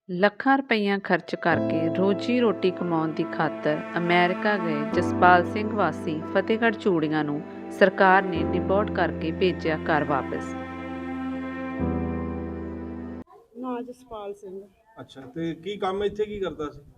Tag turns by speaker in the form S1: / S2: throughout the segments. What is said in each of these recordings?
S1: ਲੱਖਾਂ ਰੁਪਈਆ ਖਰਚ ਕਰਕੇ ਰੋਜੀ ਰੋਟੀ ਕਮਾਉਣ ਦੀ ਖਾਤਰ ਅਮਰੀਕਾ ਗਏ ਜਸਪਾਲ ਸਿੰਘ ਵਾਸੀ ਫਤਿਹਗੜ੍ਹ ਚੂੜੀਆਂ ਨੂੰ ਸਰਕਾਰ ਨੇ ਡਿਪੋਰਟ ਕਰਕੇ ਭੇਜਿਆ ਘਰ ਵਾਪਸ।
S2: ਨਾਂ ਜਸਪਾਲ ਸਿੰਘ।
S3: ਅੱਛਾ, ਤੇ ਕੀ ਕੰਮ ਇੱਥੇ ਕੀ ਕਰਦਾ ਸੀ?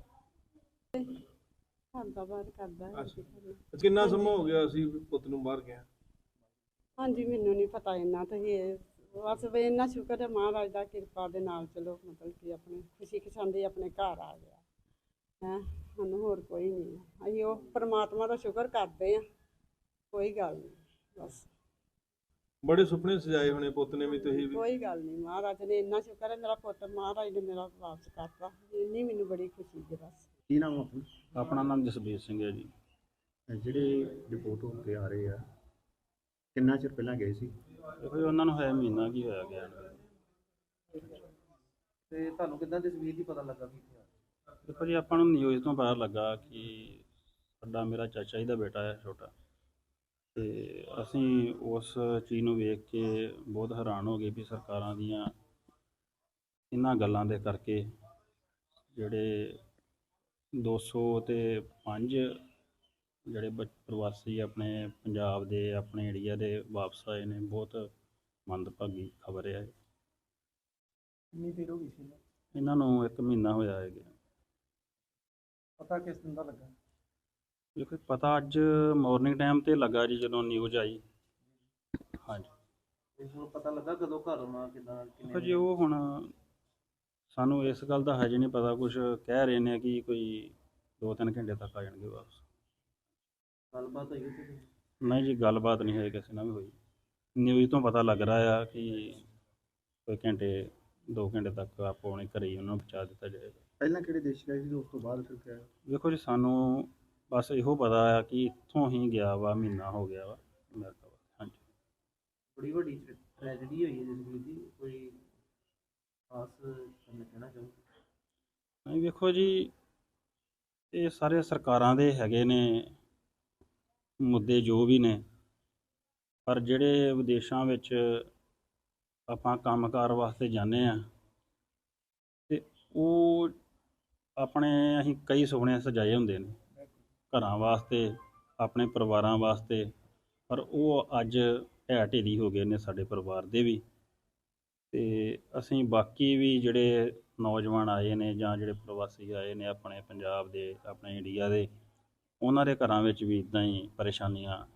S2: ਘਰ ਬਾਹਰ ਕਰਦਾ ਹੈ।
S3: ਅੱਛਾ, ਕਿੰਨਾ ਸਮਾਂ ਹੋ ਗਿਆ ਸੀ ਪੁੱਤ ਨੂੰ ਬਾਹਰ ਗਿਆ?
S2: ਹਾਂਜੀ, ਮੈਨੂੰ ਨਹੀਂ ਪਤਾ ਇੰਨਾ। ਤੁਸੀਂ ਬਸ ਵੀ ਇੰਨਾ ਸ਼ੁਕਰ ਹੈ ਮਹਾਰਾਜ ਦਾ, ਕਿਰਪਾ ਦੇ ਨਾਲ ਚਲੋ ਮਤਲਬ ਕਿ ਆਪਣੇ ਖੁਸ਼ੀ ਖਸ਼ਾਂਦੀ ਆਪਣੇ ਘਰ ਆ ਗਿਆ ਹੈ। ਸਾਨੂੰ ਹੋਰ ਕੋਈ ਨਹੀਂ, ਅਸੀਂ ਉਹ ਪਰਮਾਤਮਾ ਦਾ ਸ਼ੁਕਰ ਕਰਦੇ ਹਾਂ। ਕੋਈ ਗੱਲ ਨਹੀਂ, ਬਸ
S3: ਬੜੇ ਸੁਪਨੇ ਸਜਾਏ ਹੋਣੇ ਪੁੱਤ ਨੇ ਵੀ, ਤੁਸੀਂ ਵੀ?
S2: ਕੋਈ ਗੱਲ ਨਹੀਂ, ਮਹਾਰਾਜ ਨੇ ਇੰਨਾ ਸ਼ੁਕਰ ਹੈ ਮੇਰਾ ਪੁੱਤ ਮਹਾਰਾਜ ਨੇ ਮੇਰਾ ਵਾਪਸ ਕਰਤਾ, ਇੰਨੀ ਮੈਨੂੰ ਬੜੀ ਖੁਸ਼ੀ ਹੈ। ਬਸ
S4: ਕੀ ਨਾਮ ਆ ਆਪਣਾ?
S5: ਆਪਣਾ ਨਾਮ ਜਸਬੀਰ ਸਿੰਘ ਹੈ ਜੀ।
S4: ਜਿਹੜੇ ਰਿਪੋਰਟ ਹੋ ਕੇ ਆ ਰਹੇ ਆ, ਕਿੰਨਾ ਚਿਰ ਪਹਿਲਾਂ ਗਏ ਸੀ?
S5: ਦੇਖੋ ਜੀ, ਉਹਨਾਂ ਨੂੰ ਹੋਇਆ ਮਹੀਨਾ ਕੀ ਹੋਇਆ ਗਿਆ ਨੂੰ।
S6: ਤੇ ਤੁਹਾਨੂੰ ਕਿੱਦਾਂ ਤਸਵੀਰ ਦੀ ਪਤਾ ਲੱਗਾ ਵੀ
S5: ਦੇਖੋ ਜੀ, ਆਪਾਂ ਨੂੰ ਨਿਊਜ਼ ਤੋਂ ਪਤਾ ਲੱਗਾ ਕਿ ਸਾਡਾ ਮੇਰਾ ਚਾਚਾ ਜੀ ਦਾ ਬੇਟਾ ਹੈ ਛੋਟਾ, ਤੇ ਅਸੀਂ ਉਸ ਚੀਜ਼ ਨੂੰ ਵੇਖ ਕੇ ਬਹੁਤ ਹੈਰਾਨ ਹੋ ਗਏ ਵੀ ਸਰਕਾਰਾਂ ਦੀਆਂ ਇਹਨਾਂ ਗੱਲਾਂ ਦੇ ਕਰਕੇ ਜਿਹੜੇ 205 ਜਿਹੜੇ ਪ੍ਰਵਾਸੀ ਆਪਣੇ ਪੰਜਾਬ ਦੇ ਆਪਣੇ ਏਰੀਆ ਦੇ ਵਾਪਸ ਆਏ ਨੇ, ਬਹੁਤ ਮੰਦਭਾਗੀ ਖਬਰ ਹੈ।
S6: ਕਿੰਨੀ ਦੇਰ ਹੋ ਗਈ ਸੀ?
S5: ਇਹਨਾਂ ਨੂੰ 1 ਮਹੀਨਾ ਹੋਇਆ ਹੈ ਗਿਆ।
S6: ਪਤਾ ਕਿਸ ਦਿਨ ਦਾ ਲੱਗਾ?
S5: ਦੇਖੋ ਪਤਾ ਅੱਜ ਮਾਰਨਿੰਗ ਟਾਈਮ ਤੇ ਲੱਗਾ ਜੀ, ਜਦੋਂ ਨਿਊਜ਼ ਆਈ। ਹਾਂਜੀ,
S6: ਤੇ ਹੁਣ ਪਤਾ ਲੱਗਾ ਕਦੋਂ ਘਰ ਆਉਣਾ, ਕਿੱਦਾਂ,
S5: ਦੇਖੋ ਜੀ ਉਹ ਹੁਣ ਸਾਨੂੰ ਇਸ ਗੱਲ ਦਾ ਹਜੇ ਨਹੀਂ ਪਤਾ। ਕੁਝ ਕਹਿ ਰਹੇ ਨੇ ਕਿ ਕੋਈ 2-3 ਘੰਟੇ ਤੱਕ ਆ ਜਾਣਗੇ ਵਾਪਸ।
S6: ਗੱਲਬਾਤ ਹੋਈ ਉੱਥੇ?
S5: ਨਹੀਂ ਜੀ, ਗੱਲਬਾਤ ਨਹੀਂ ਹੋਈ ਕਿਸੇ ਨਾਲ ਵੀ ਹੋਈ। ਨਿਊਜ਼ ਤੋਂ ਪਤਾ ਲੱਗ ਰਿਹਾ ਆ ਕਿ ਕੋਈ 2 ਘੰਟੇ ਤੱਕ ਆਪੋ ਆਪਣੇ ਘਰੇ ਹੀ ਉਹਨਾਂ ਨੂੰ ਪਹੁੰਚਾ ਦਿੱਤਾ ਜਾਏਗਾ।
S4: ਪਹਿਲਾਂ ਕਿਹੜੇ ਦੇਸ਼ ਗਏ ਸੀ, ਉਸ ਤੋਂ ਬਾਅਦ ਫਿਰ ਕਿਹਾ?
S5: ਦੇਖੋ ਜੀ, ਸਾਨੂੰ ਬਸ ਇਹੋ ਪਤਾ ਆ ਕਿ ਇੱਥੋਂ ਹੀ ਗਿਆ ਵਾ, ਮਹੀਨਾ ਹੋ ਗਿਆ ਵਾ ਅਮਰੀਕਾ ਵਾ। ਹਾਂਜੀ,
S6: ਬੜੀ ਵੱਡੀ ਟ੍ਰੈਜਡੀ ਹੋਈ ਹੈ ਜਿਸ ਦੀ ਕੋਈ ਖਾਸ ਤੁਹਾਨੂੰ ਕਹਿਣਾ ਚਾਹੁੰਦਾ?
S5: ਨਹੀਂ ਵੇਖੋ ਜੀ, ਇਹ ਸਾਰੇ ਸਰਕਾਰਾਂ ਦੇ ਹੈਗੇ ਨੇ ਮੁੱਦੇ ਜੋ ਵੀ ਨੇ, ਪਰ ਜਿਹੜੇ ਵਿਦੇਸ਼ਾਂ ਵਿੱਚ ਆਪਾਂ ਕੰਮਕਾਰ ਵਾਸਤੇ ਜਾਂਦੇ ਆ ਤੇ ਉਹ ਆਪਣੇ ਅਸੀਂ ਕਈ ਸੁਪਨੇ ਸਜਾਏ ਹੁੰਦੇ ਨੇ ਘਰਾਂ ਵਾਸਤੇ, ਆਪਣੇ ਪਰਿਵਾਰਾਂ ਵਾਸਤੇ, ਪਰ ਉਹ ਅੱਜ ਢਹਿ ਢੇਰੀ ਹੋ ਗਏ ਨੇ ਸਾਡੇ ਪਰਿਵਾਰ ਦੇ ਵੀ। ਤੇ ਅਸੀਂ ਬਾਕੀ ਵੀ ਜਿਹੜੇ ਨੌਜਵਾਨ ਆਏ ਨੇ ਜਾਂ ਜਿਹੜੇ ਪ੍ਰਵਾਸੀ ਆਏ ਨੇ ਆਪਣੇ ਪੰਜਾਬ ਦੇ, ਆਪਣੇ ਇੰਡੀਆ ਦੇ, ਉਹਨਾਂ ਦੇ ਘਰਾਂ ਵਿੱਚ ਵੀ ਇੱਦਾਂ ਹੀ ਪਰੇਸ਼ਾਨੀਆਂ